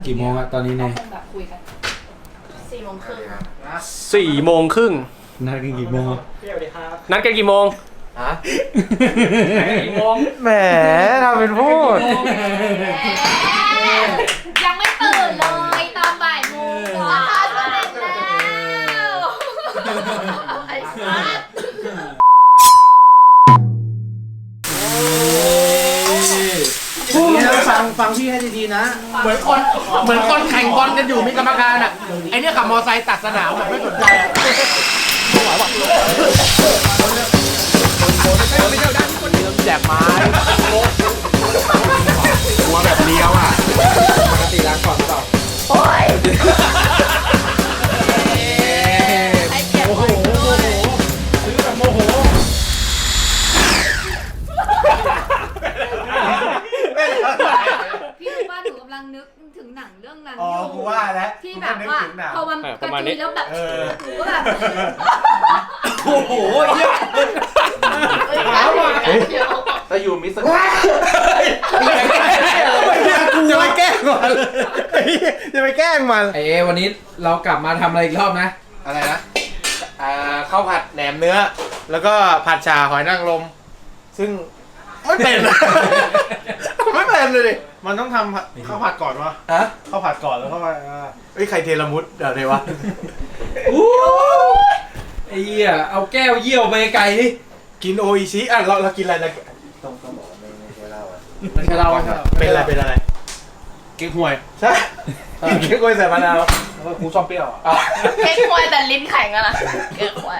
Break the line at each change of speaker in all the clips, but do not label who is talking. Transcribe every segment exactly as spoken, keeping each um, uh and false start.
กี่โมงอะตอนนี้เนี่ย
แบบคุยกันสี่โมงครึ่ง
สี่โมงครึ่ง
นัดกันกี่โมง
นัดกันกี่โมงฮะกี่โมงแหมทำเป็นพูด
ยังไม่ตื่นเลยตอนบ่ายโมงราคาเสร็จแล้วไอ้สัส
นี่ฟังฟังพี่ให้ดีๆนะเหมือนคนเหมือนคนแข่งบอลกันอยู่มีกรรมการอ่ะไอเนี้ยขับมอไซค์ตัดสนามแบบไม่สนใจอ่ะแจกไม้หัวแบบเลี้ยวอ่ะปกติล้างก่อนเปล่าโอ้ยโอ้โหโมโหซื้อแบบโมโห
พี่รู้ว่าหนูกำลังนึกถึงหนังเรื่องนั้น
อ๋อกูว่าแล้ว
ที่แบบว่าพอมันกระตุยแล้วแบบหนูก็แบบ
โอ้โหเยอะ
ขาว่ะ
แต่อยู่มิสก์จะไปแกล้งมันจะไปแกล้งมัน
ไอเอวันนี้เรากลับมาทำอะไรอีกรอบนะ
อะไรนะอ่าข้าวผัดแหนมเนื้อแล้วก็ผัดชาหอยนางรมซึ่งไม่เป็นไม่เป็นเลยดิมันต้องทำข้าวผัดก่อนวะฮะข้าวผัดก่อนแล้วก็มาเอ้ยใครเทละมุดเดี๋ยวเดี๋ยววะ
ไอ้เหี้ยเอาแก้วเยี่ยวไปไกลดิ
กินโออิชิอ่ะเราเรากินอะไรนะต้องต้องบอกไม่ไม่ใช่เหล้าอ่ะไม่ใช่เหล้าเป็นอะไรเป็นอะไรเก๊กฮวยใช่เก๊กฮวยใส่มะนาวแล้วก็กูชอบเปรี้ยวอ่ะ
เก๊กฮวยแต่ลิ้นแข็งอะนะเก๊กฮวย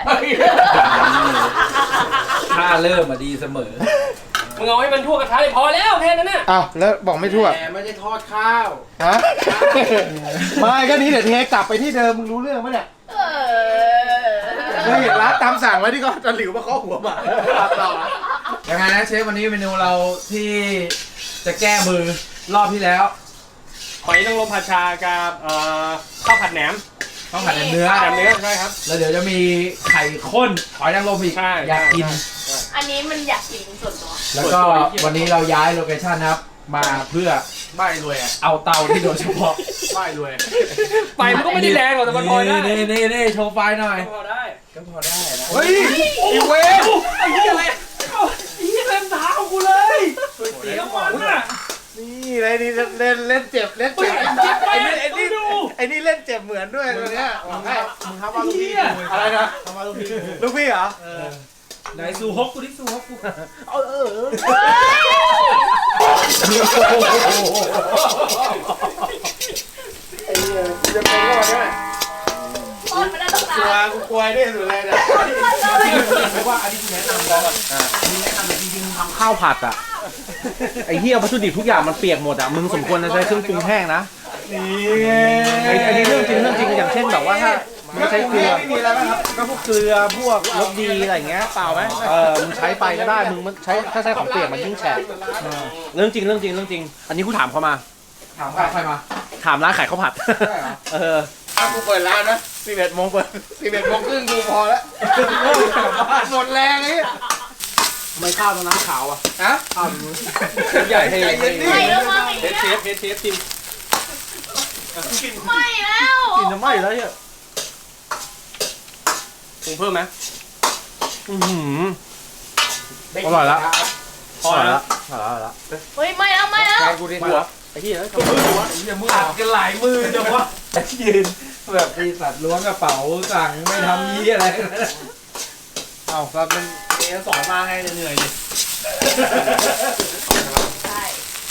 ถ้าเริ่มมาดีเสมอ
มึงเอาให้มันทั่วกระทะเลยพอแล้วแค่นั้นน่ะ
อ้าวแล้วบอกไม่ทั่ว
แต่ไม่ได้ทอดข้าว
ฮะไม่ก็นี้เดี๋ยวเทกลับไปที่เดิมมึงรู้เรื่องไหมเนี่ยเคยเห็นร้านตามสั่งไว้ที่ก็จะหลิวมาเคาะหัวหมาต่อ
ยังไงนะเชฟวันนี้เมนูเราที่จะแก้มือรอบที่แล้ว
หอยนางรมผัดชากับข้าวผัดแหนม
ข้าวผัดเนื้อ
แหนมเนื้อใช่ครับ
แล้วเดี๋ยวจะมีไข่ข้นหอยนางรมอีกอยากกิน
อันนี้มันอยากกินส่วนตัว
แล้วก็วันนี้เราย้ายโลเคชั่นนะครับมาเพื่อ
ไม่รวยอ่ะ
เอาเตาที่โดยเฉพาะ
ไม่รวย
ไฟมันก็ไม่ได้แรงหรอกแต่มันพอได้
นี่นี่นี่โชว์ไฟหน่อย
พอได้
ก็พอได้นะ
เฮ้ยอีเวฟ
ไอ้เหี้ยอะไรไอ้เหี้ยเล่นเท้ากูเลยเสียมันอ่ะ
นี่เลยนี่เล่นเล่นเจ็บเล่นเจ็บไอ้นี่ไอ้นี่ไอ้นี่เล่นเจ็บเหมือนด้วยตัวเนี้ยมึงมึงทำมาลูกพี่อะไรนะทำมาลูกพี่ลูกพี่เหรอ
ไหนซูฮกกูดิซูฮกกู
เออเออไอ้เหี้ยจะเป็นก็วันนี้
โอนมาได้ตั้งนาน
กลัวกูกลัวด้วยสุดเลยนะเพราะว่าอันนี้แนะนำแล้วอันนี้แนะนำจริงๆทำข้าวผัดอ่ะไอ้เหี้ยวัตถุดิบทุกอย่างมันเปียกหมดอ่ะมึงสมควรจะใช้เครื่องปรุงแห้งนะนี่ไอ้อันนี้เรื่องจริงเรื่องจริงอย่างเช่นแบบว่าถ้ามึงใช้เกลือก็พวกเกลือพวกรสดีอะไรอย่างเงี้ยเปล่าไหมเออมึงใช้ไปก็ได้มึงมันใช้ถ้าใช้ของเปียกมันยิ่งแฉะเรื่องจริงเรื่องจริงเรื่องจริงอันนี้กูถามเขามา
ถามใครมา
ถามร้านขายข้าวผัดเออถ้ากูเปิดร้านนะสิบเอ็ดโมงเปิดสิบเอ็ดโมงครึ่งกูพอแล้วหมดแรงไอ้ไม่ข้าวตรงน้ำขาวอ่ะฮะข้าวใหญ่ให้
ไม่แล้วมั้ง
เทสเทสเทสเทสชิม
ไม่แล้ว
กินจะไม่แล้วเนี่ย
ปรุงเพิ่มไหม
อืออร่อยละพอแล้วพอแล้วแล้ว
เฮ้ยไม่แล้วไม่แล้ว
กูดีหัวไอ้ที่แล้วมือหัวอย่ามือ
อัดกันหลายมือจังวะยืนแบบปีศาจล้วงกระเป๋าสั่งไม่ทำยี่อะไร
เอ้าเราเป็นเอสอนมาให้เหนื่อยดิ
ใช่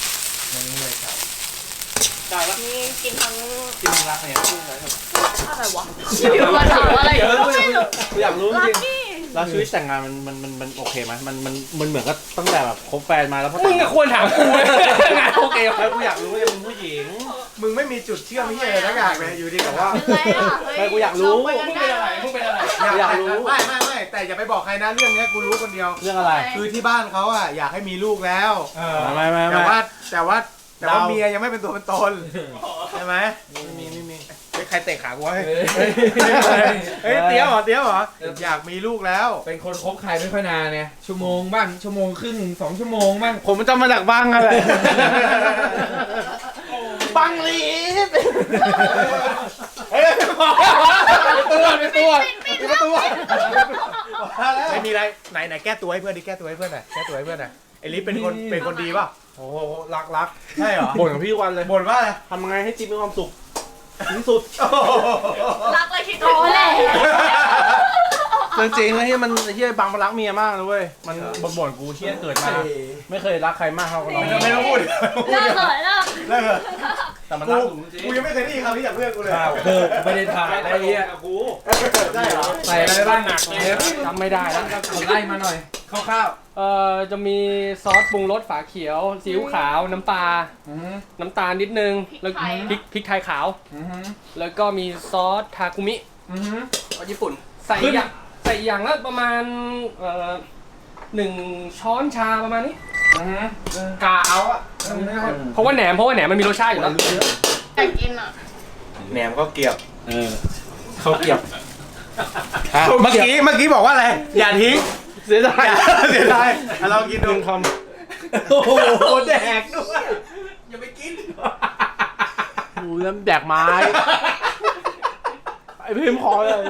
ได้แล้ว
นี่กินทั้ง
กินรักเนี่ยพูดอะไร
อะไรวะอยู่มาถามอะไรก็ไม่รู้
อยากรู้จริงแล้วชีวิตแต่งงานมันมันมันมันโอเคไหมมันมันมันเหมือนก็ตั้งแต่แบบคบแฟนมาแล้วพอ
มึงก็ควรถามกูงานโอเค
แล้วกูอยากรู้ว่ามึงผู้หญิงมึงไม่มีจุดเชื่อมที่อะไรทั้งอย่างเลยอยู่ดีกับว่าไม่กูอยากรู้
มึงเป็นอะไรมึงเป็นอะไร
อยากรู้ไม่ไม่ไม่แต่อย่าไปบอกใครนะเรื่องนี้กูรู้คนเดียวเรื่องอะไรคือที่บ้านเขาอ่ะอยากให้มีลูกแล้วไม่ไม่แต่ว่าแต่ว่าแต่ว่าเมียยังไม่เป็นตัวเป็นตนใช่ไหมไม่มีไม่มีใครเตะขากูวะเฮ้ยเตี้ยวเหรอเตี้ยวเหรออยากมีลูกแล้ว
เป็นคนคบใครไม่ค่อยนานเนี่ยชั่วโมงบ้างชั่วโมงครึ่งสองชั่วโมงบ้าง
ผมมันจะมาจากบ้างอะไรบังลีดเฮ้ยตัวในตัวในตัวไม่มีอะไรไหนไหนแก้ตัวให้เพื่อนดิแก้ตัวให้เพื่อนหน่อยแก้ตัวให้เพื่อนหน่อยไอ้ลิฟเป็นคนเป็นคนดีป่ะโอ้โหรักรักใช่เหรอบ่นกับพี่วันเลยบ่นว่าอะไรทำไงให้จิ๊บมีความสุขที่สุด
รักเลยคิดโอ้แหละ
จริงๆแล้วที่มันที่บังมันรักเมียมากเลยเว้ยมันบ่นๆกูเชี่ยเกิดมาไม่เคยรักใครมากเท่ากับเราไม่ต้องพูด
เลิกเถอะเลิก
เลิกแต่มันรักจริงกูยังไม่เคยได้ยินคำนี้จากเพื่อนกูเลย
คือไม่ได้ถ่ายได้เหี้ย
กูได้เหรอ
ใส่อะไรบ้างหนักเลย
จำไม่ได้แล้ว
ไล่มาหน่อยคร่าว
เอ่อจะมีซอสปรุงรสฝาเขียวซีอิ๊วขาวน้ำปลา
ๆอืม
น้ำตาลนิดนึงแล้วพริกพริกไทยขาว
อืม
แล้วก็มีซอสทาคุมิ
อืม
ของญี่ปุ่น ใส่อย่างใส่อย่างละประมาณเอ่อหนึ่งช้อนชาประมาณนี้
อืม
กาเอาอะ
เพราะว่าแหนมเพราะว่าแหนมมันมีรสชาติอยู่แล้ว
อยากกินอ่ะ
แหนมก็เกียบ
เออเขาเก็บ
เมื่อกี้เมื่อกี้บอกว่าอะไรอย่าทิ้ง
เสียดาย
เสียดายเรากินดู
ค
โอ้โหแดกด้วยอย่าไปกิน
ำดูแล้วแดกไม้ไอ้พิมพ์คอเลย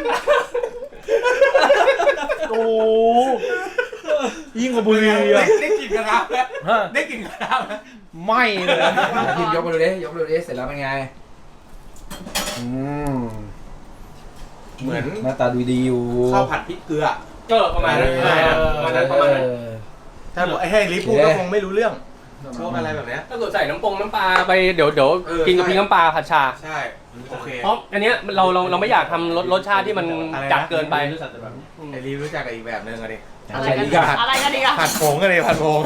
โอ้ยิ่งกว่าบุหรี่อ่ะ
ได้กลิ่นกระทะได้กลิ่นกระทะ
ไม่เลย
พิมพ์ยกมาดูดิยกมาดูดิเสร็จแล้วเป็นไงอืม
เหมือน
หน้าตาดูดีอยู่
ข้าวผัดพริกเกลือ
ก็ประมาณนั้น
เออ
ประมาณนั้นประมาณนั้น
ถ้าบอกไอ้ให้ลิฟพูดก็คงไม่รู้เรื่องพวกอะไรแบบเนี้ย
ถ้าเกิดใส่น้ำปงน้ำปลาไปเดี๋ยวเดี๋ยว
เออ
กินกับพริกน้ำปลาผัดชา
ใช่โอเค
เพราะอันเนี้ยเราเราเราไม่อยากทำรสรสชาติที่มัน
อะไรนะ
จัดเกินไป
ไอ้ลิฟรู้จักกับอีกแบบนึงอะดิ
อะไรกันดีอะอะไรกันดีอะ
ผัดผงกันเลยผัดผง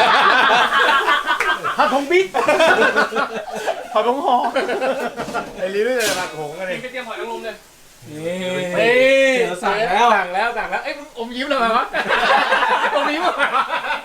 ผัดผงบิ๊กผัดผงหอไอ้ลิฟรู้จักกับผัดผงกันเลย
กินกระเทียมหอยนางรมเลย
นี่
เฮ้ย
เจอสั่งแล้ว
สั่งแล้วสั่งแล้วเอ้ยอมยิ้มเลยมั้ยวะอมยิ้มเลยวะ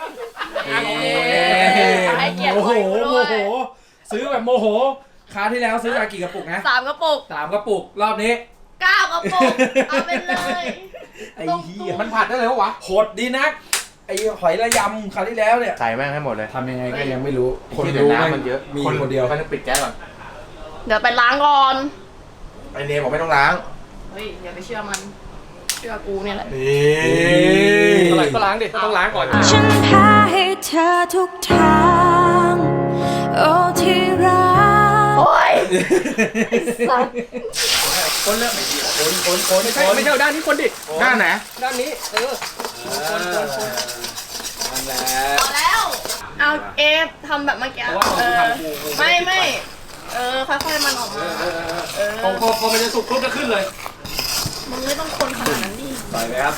ให้เกียรติ
โอ้โห
ด้วย
โมโหซื้อแบบโมโหคราวที่แล้วซื้อมากี่กระปุกนะ
สามกระปุก
สามกระปุกรอบนี้
เก้ากระปุกเอาไปเลย
ไอ้เหี้ย
มันผัดได้เลยวะ
โหดดีนักไอ้หอยระยำคราวที่แล้วเนี่ย
ใส่แม่งให้หมดเลย
ทำยังไงก็ยังไม่รู้
คนดูน้ำมันเยอะ
มีคนเดียว
มันปิดแก๊สก่อน
เดี๋ยวไปล้างก่อน
ไอเนมบอกไม่ต้องล้าง
เฮ้ยอย่าไปเชื่อมัน เชื่อกูเนี่ยแหละ
นี่
เท่าไหร่ก็ล้างดิต้องล้างก่อน
ฉันแพ้ให้เธอทุกทางโอ้ที่รัก
โอ้ยไอ้สัส
คนเริ่ม
คนคนคน
ไม่ใช่ไม่ใช่ด้านนี้คนดิ
ด้านไหน
ด้านนี้เออคนคนคน
นั่นแหละ
พอแล้ว เอาเอฟทำแบบเมื่อกี้เออไม่ไม่เออค่อยๆมันออกมาเออ
พอพอพอมันจะสุกปุ๊บจะขึ้นเลย
มึงไม่ต้องคนขนาดนั้นดิ
ใส่เลยครับ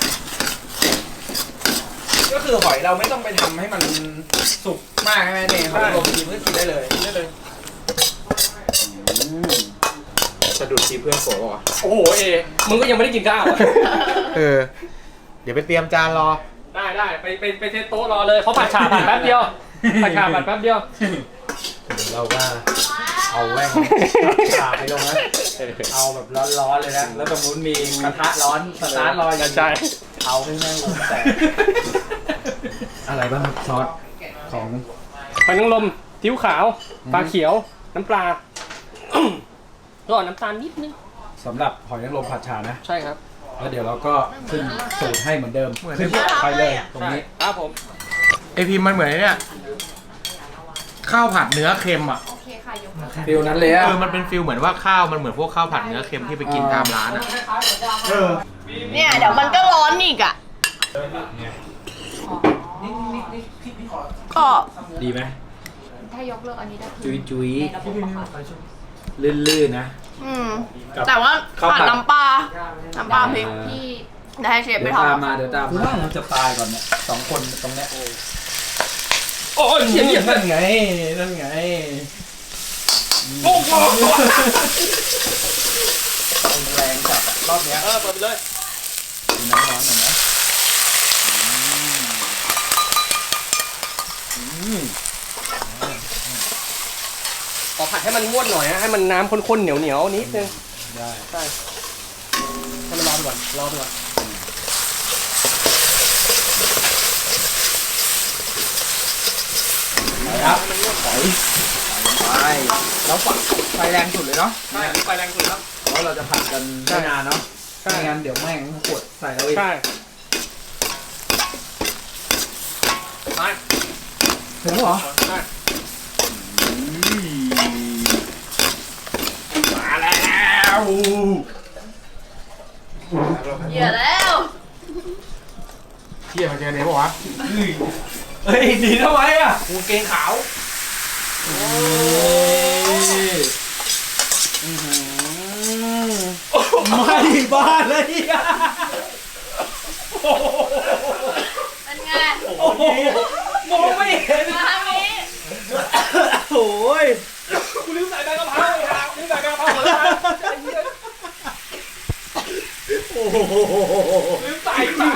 ก็คือหอยเราไม่ต้องไปทำให้มันสุกมากใช่ไหมเนี่ยหอยลมกินก็กินได้เลย
ได้เลย
สะดุดทีเพื่อนโผล่ป่ะ
โอ้โหเอมึงก็ยังไม่ได้กินข้าวอะ
เออ เดี๋ยวไปเตรียมจานรอ
ได้ได้ไปไปไปเซตโต๊ะรอเลยเขาผัดฉ่าผัดแป๊บเดียวผัดฉ่าผัดแป๊บเดียว
เราก็เอาแว่งขาไปลงนะเอาแบบร้อนๆเลยนะ แล้วตรงนู้นมีกระทะร้อนสตาร์ทรออยู่
ใช่
เอาให้แม่งวงแตกอะไรบ้างครับซอสของ
หอยนางรมทิ้วขาวปลาเขียวน้ำปลาก็น้ำตาลนิดนึง
สำหรับหอยนางรมผัดชานะ
ใช่ครับ
แล้วเดี๋ยวเราก็ขึ้นสูตรให้เหมือนเดิมขึ้นไปเลยตรงนี้
ครับผม
ไอพิมพ์มันเหมือนไอ้เนี่ยข้าวผัดเนื้อเค็มอ่ะ
โอเคค่ะยก
ฟิลนั้นเลยอะ
เออมันเป็นฟิลเหมือนว่าข้าวมันเหมือนพวกข้าวผัดเนื้อเค็มที่ไปกินตามร้านอ่ะเออ
เนี่ยเดี๋ยวมันก็ร้อนอีกอ่ะก็
ดีไหม
ถ้ายกเลิกอันนี้ได้
จุยจุย
ในระบบปะคะ
ลื่นๆนะ
อืมแต่ว่า
ข้าวผั
ผั
ด
ดน้ำปลา น้ำปลาพริก
ที่
ได้ให้เชฟไป
เดี๋ยว
ทำ
ตามมาเดี๋ยวตามมาเราจะตายก่อนเนี่ยสองคนตรงเนี้ย
โอ้ยเหี้ยเหี้ย
นั่นไงนั่นไง
โอ้โห
แรงจัดอะรอบเนี้ย
เออเปิดไปเลย
มีน้ำร้อนหน่อยนะอืม
ขอผัดให้มันงวดหน่อยนะให้มันน้ำข้นๆเหนียวเหนียวๆนิดนึง
ได้
ใช่ให้มันรอไปก่อนรอไปก่อน
ไปครับหอยไปแล้วฝักไฟแรงสุดเลยเนาะ
ใช่ไฟแรงสุดครับ
เพราะเราจะผัดกันไม่นานเนาะ
ใช่
ไม่งั้นเดี๋ยวแม่งขวดใส่เราอีก
ใช่ไป
ถึงเหรอ
ใช่
มาแล้ว
เหยื่อแล้ว
เที่ยมันเจอไหนบอกวะ
เฮ้ยดีทำไมอ่ะ
กูเกงขาว
ไม่บ้าเลยอ่ะ
เป็นไง
โอ้โหมองไม่เห็น
มาทางนี้
โอ้ย
กูลืมใส่ใบกะเพราไอ้ห่ากูลืมใส่ใบกะเพราหมดแล้วนะ
โอ้โห
ลืมใส่ใส่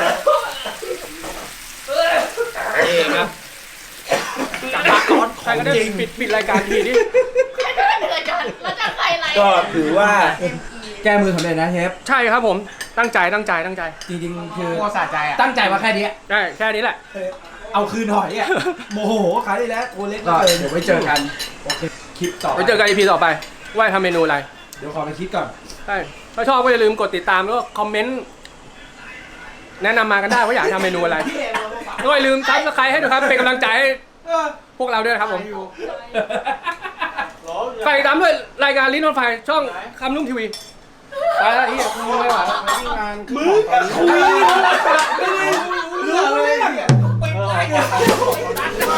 เองครับ
จับปากก่อนใครก็ได้ปิดปิดรายการทีนี้
ใครจะเหนื่อยกันแล้วจะใส่อะไร
ก็ถือว่าแก้มือสำเร็จนะเชฟ
ใช่ครับผมตั้งใจตั้งใจตั้งใจ
จริงๆคือ
โคตรสะใจอ่ะ
ตั้งใจมาแค่นี้
ใช่แค่นี้แหละ
เอาคืนหน่อยอ่ะโมโหขายได้แล้วโอเล็กก็เดี๋ยวไว้เจอกันโอเคคลิปต่อ
ไว้เจอกัน อี พี ต่อไปว่าทำเมนูอะไร
เดี๋ยวขอไปคิดก่อน
ใช่ถ้าชอบก็อย่าลืมกดติดตามแล้วก็คอมเมนต์แนะนำมากันได้ว่าอยากทำเมนูอะไรก็อย่าลืมซับสไครต์ให้ด้วยครับเป็นกำลังใจให้พวกเราด้วยนะครับผมฝากติดตามด้วยรายการลิ้นรถไฟช่องคำนุ่มทีวีไปแล้วที่มึงไม่ไหวแล้ว
มึงคุยเรื่องเลยไปไป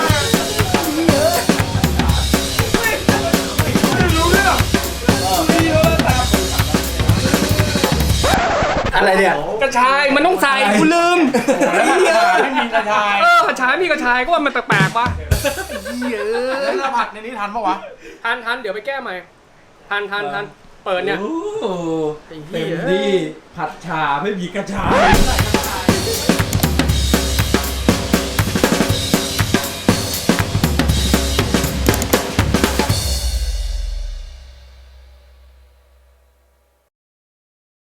อะไรเนี่ย
กระชายมันต้องใส่กูลืม
ไม่มีกระชาย
เออกระชายมีกระชายก็ว่ามันแปลกๆวะเยอะ
แล้วเราผัดในนี้ทันปะวะ
ทันทันเดี๋ยวไปแก้ใหม่ทันทันทันเปิดเนี่ย
โอ้เต็มที่ผัดชาไม่มีกระชาย